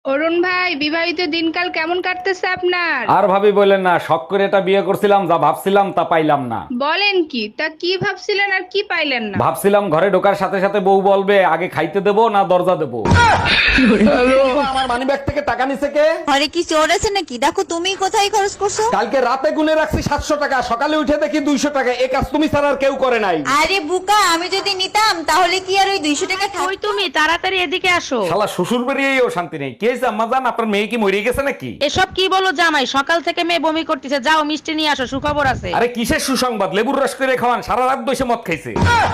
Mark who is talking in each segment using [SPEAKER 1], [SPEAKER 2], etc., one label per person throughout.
[SPEAKER 1] অরুণ ভাই, বিবাহিত দিনকাল কেমন কাটতেছে আপনার?
[SPEAKER 2] আর ভাবি বললেন না, শখ করে এটা বিয়ে করছিলাম, যা ভাবছিলাম তা পাইলাম না।
[SPEAKER 1] বলেন কি? তা কি ভাবছিলেন আর কি পাইলেন না?
[SPEAKER 2] ভাবছিলাম ঘরে ঢোকার সাথে সাথে বউ বলবে আগে খাইতে দেবো না দরজা দেবো। আমার মানি ব্যাগ থেকে টাকা নিছে কে?
[SPEAKER 3] ঘরে কি চোর আছে নাকি? দেখো তুমি কোথায় খরচ করছো।
[SPEAKER 2] কালকে রাতে গুনে রাখছি 700 টাকা, সকালে উঠে দেখি 200 টাকা। এ কাজ তুমি ছাড়া আর কেউ করে নাই।
[SPEAKER 3] আরে বুকা, আমি যদি নিতাম তাহলে কি আর ওই 200 টাকা
[SPEAKER 1] কই তুমি? তাড়াতাড়ি এদিকে আসো।
[SPEAKER 2] শালা শ্বশুর বেরিয়েও শান্তি নেই। কে হয়েছে আম্মা জান? আপনার মেয়ে কি মরে গেছে নাকি?
[SPEAKER 1] এসব কি বলো জামাই? সকাল থেকে মেয়ে বমি করতেছে, যাও মিষ্টি নিয়ে আসো, সুখবর আছে।
[SPEAKER 2] আরে কিসের সুসংবাদ? লেবুর রস করে খাওয়ান, সারা রাত বসে মদ খাইছে।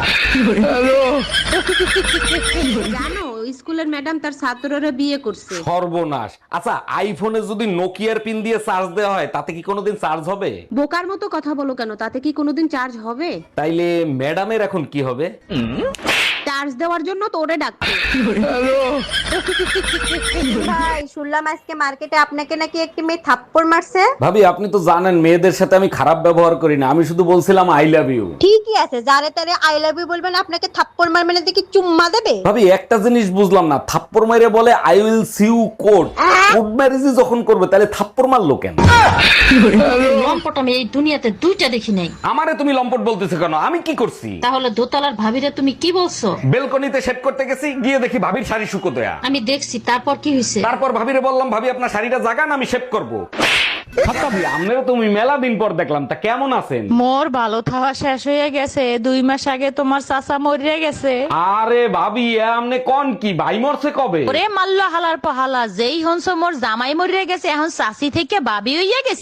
[SPEAKER 4] জানো স্কুলের ম্যাডাম তার ছাত্ররা বিয়ে করছে।
[SPEAKER 2] সর্বনাশ। আচ্ছা, আইফোনে যদি নোকিয়ার পিন দিয়ে চার্জ দেওয়া হয় তাতে কি কোনোদিন চার্জ হবে?
[SPEAKER 4] বোকার মতো কথা বলো কেন? তাতে কি কোনোদিন চার্জ হবে?
[SPEAKER 2] তাইলে ম্যাডামের এখন কি হবে?
[SPEAKER 4] চার্জ দেওয়ার জন্য তো ওরে ডাকছে।
[SPEAKER 3] ভাই, শুনলাম আজকে মার্কেটে আপনাকে নাকি একটি মেয়ে থাপ্পড় মারছে।
[SPEAKER 2] ভাবি, আপনি তো জানেন মেয়েদের সাথে আমি খারাপ ব্যবহার করি না, আমি শুধু বলছিলাম আই লাভ ইউ।
[SPEAKER 3] ঠিকই আছে, যারে তারে আই লাভ ইউ বলবেন, আপনাকে থাপ্পড় মারবে না দেখি চুম্মা দেবে।
[SPEAKER 2] ভাবি, একটা জিনিস বুঝলাম না, থাপ্পড় মাইরে বলে I will see you court. Court ম্যারেজই যখন করবে তাহলে থাপ্পড় মারলো কেন?
[SPEAKER 5] লম্পট আমি এই দুনিয়াতে দুইটা দেখি নাই।
[SPEAKER 2] আমারে তুমি লম্পট বলতেছো কেন? আমি কি করছি?
[SPEAKER 5] তাহলে দোতলার ভাবিরে তুমি কি বলছো?
[SPEAKER 2] বেলকনিতে সেট করতে গেছি, গিয়ে দেখি ভাবির শাড়ি শুকো দেয়া।
[SPEAKER 5] আমি দেখছি, তারপর কি হয়েছে?
[SPEAKER 2] তারপর ভাবিরে বললাম, ভাবি আপনার শাড়িটা জাগান, আমি শেভ করবো। ভাবি, আমনেরও তুমি মেলা দিন পর দেখলাম, তা কেমন আছেন?
[SPEAKER 6] মোর ভালো থাওয়া শেষ হয়ে গেছে, 2 মাস আগে তোমার চাচা মরে গেছে।
[SPEAKER 2] আরে ভাবি, আমনে কোন কি ভাই মরছে কবে?
[SPEAKER 6] ওরে মাল্লা হালার পাহালা, যেই হনস মোর জামাই মরে গেছে, এখন চাচি থেকে বাবি হইয়া গেছে।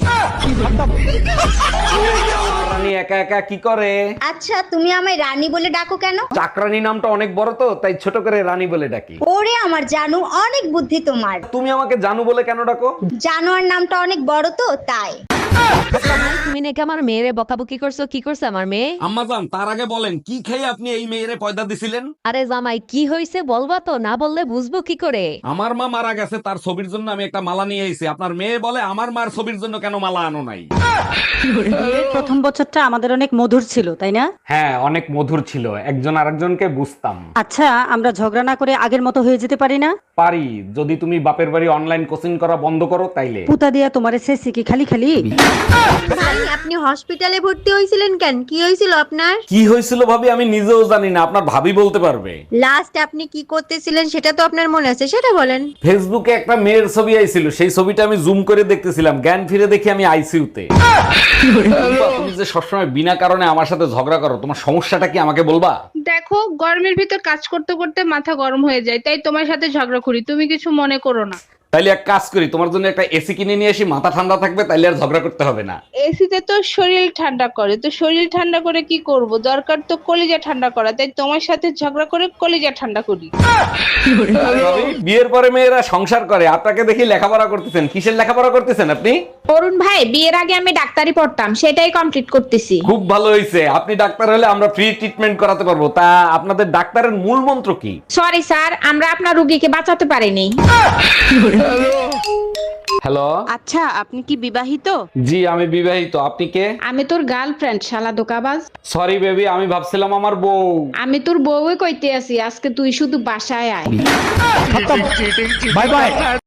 [SPEAKER 2] রানী একা একা কি করে?
[SPEAKER 3] আচ্ছা, তুমি আমায় রানী বলে ডাকো কেন?
[SPEAKER 2] চাকরানী নামটা অনেক বড় তো, তাই ছোট করে রানী বলে ডাকি।
[SPEAKER 3] ওরে আমার জানু, অনেক বুদ্ধি তোমার।
[SPEAKER 2] তুমি আমাকে জানু বলে কেন ডাকো?
[SPEAKER 3] জানোয়ার নামটা অনেক বড় তো তাই।
[SPEAKER 7] তুমি নাকি আমার মেয়েরে বকাবকি করছো? কি করছে আমার মেয়ে?
[SPEAKER 2] আম্মাজান, তার আগে বলেন কি খেয়ে আপনি এই মেয়েরে পয়দা দিছিলেন?
[SPEAKER 7] আরে জামাই, কি হয়েছে বলবা তো, না বললে বুঝবো কি করে?
[SPEAKER 2] আমার মা মারা গেছে, তার ছবির জন্য আমি একটা মালা নিয়ে এসেছি। আপনার মেয়ে বলে আমার মার ছবির জন্য কেন মালা আনো নাই?
[SPEAKER 8] প্রথম বছরটা আমাদের অনেক মধুর ছিল, তাই না?
[SPEAKER 2] হ্যাঁ, অনেক মধুর ছিল, একজন আরেকজনকে বুঝতাম।
[SPEAKER 8] আচ্ছা, আমরা ঝগড়া না করে আগের মতো হয়ে যেতে পারি না?
[SPEAKER 2] পারি, যদি তুমি বাপের বাড়ি অনলাইন কোচিং করা বন্ধ করো তাইলে।
[SPEAKER 8] পুতা দিয়া তোমারে শেষে কি খালি খালি?
[SPEAKER 3] ভাই, আপনি হসপিটালে ভর্তি হয়েছিলেন কেন? কি হয়েছিল আপনার?
[SPEAKER 2] কি হয়েছিল ভাবি আমি নিজেও জানি না, আপনার ভাবি বলতে পারবে।
[SPEAKER 3] লাস্ট আপনি কি করতেছিলেন সেটা তো আপনার মনে আছে, সেটা বলেন।
[SPEAKER 2] ফেসবুকে একটা মেয়ের ছবি আইছিল, সেই ছবিটা আমি জুম করে দেখতেছিলাম, জ্ঞান ফিরে দেখি আমি আইসিইউতে। তুমি যে সবসময় বিনা কারণে আমার সাথে ঝগড়া করো, তোমার সমস্যাটা কি আমাকে বলবা?
[SPEAKER 1] দেখো, গরমের ভিতর কাজ করতে করতে মাথা গরম হয়ে যায়, তাই তোমার সাথে ঝগড়া করি, তুমি কিছু মনে করো না।
[SPEAKER 2] তাইলে এক কাজ করি, তোমার জন্য একটা এসি কিনে নিয়ে আসি, মাথা ঠান্ডা থাকবে, তাইলে আর ঝগড়া করতে হবে না।
[SPEAKER 1] এসিতে তো শরীর ঠান্ডা করে, তো শরীর ঠান্ডা করে কি করব? দরকার তো কলিজা ঠান্ডা করা, তাই তোমার সাথে ঝগড়া করে কলিজা ঠান্ডা করি।
[SPEAKER 2] আরে ভাবি, বিয়ের পরে মেয়েরা সংসার করে, আপনাকে দেখি লেখাপড়া করতেছেন। কিসের লেখাপড়া করতেছেন আপনি?
[SPEAKER 1] অরুণ ভাই, বিয়ের আগে আমি ডাক্তারি পড়তাম, সেটাই কমপ্লিট করতেছি।
[SPEAKER 2] খুব ভালো হয়েছে, আপনি ডাক্তার হলে আমরা ফ্রি ট্রিটমেন্ট করাতে পারবো। তা আপনাদের ডাক্তারের মূল মন্ত্র কি?
[SPEAKER 1] সরি স্যার, আমরা আপনার রোগীকে বাঁচাতে পারিনি।
[SPEAKER 2] হ্যালো।
[SPEAKER 4] আচ্ছা, আপনি কি বিবাহিত?
[SPEAKER 2] জি, আমি বিবাহিত। আপনি কে?
[SPEAKER 1] আমি তোর গার্লফ্রেন্ড, শালা দোকাবাজ।
[SPEAKER 2] সরি বেবি, আমি ভাবছিলাম আমার বউ।
[SPEAKER 1] আমি তোর বউই কইতে আছি, আজকে তুই শুধু বাসায় আয়।
[SPEAKER 2] Bye by.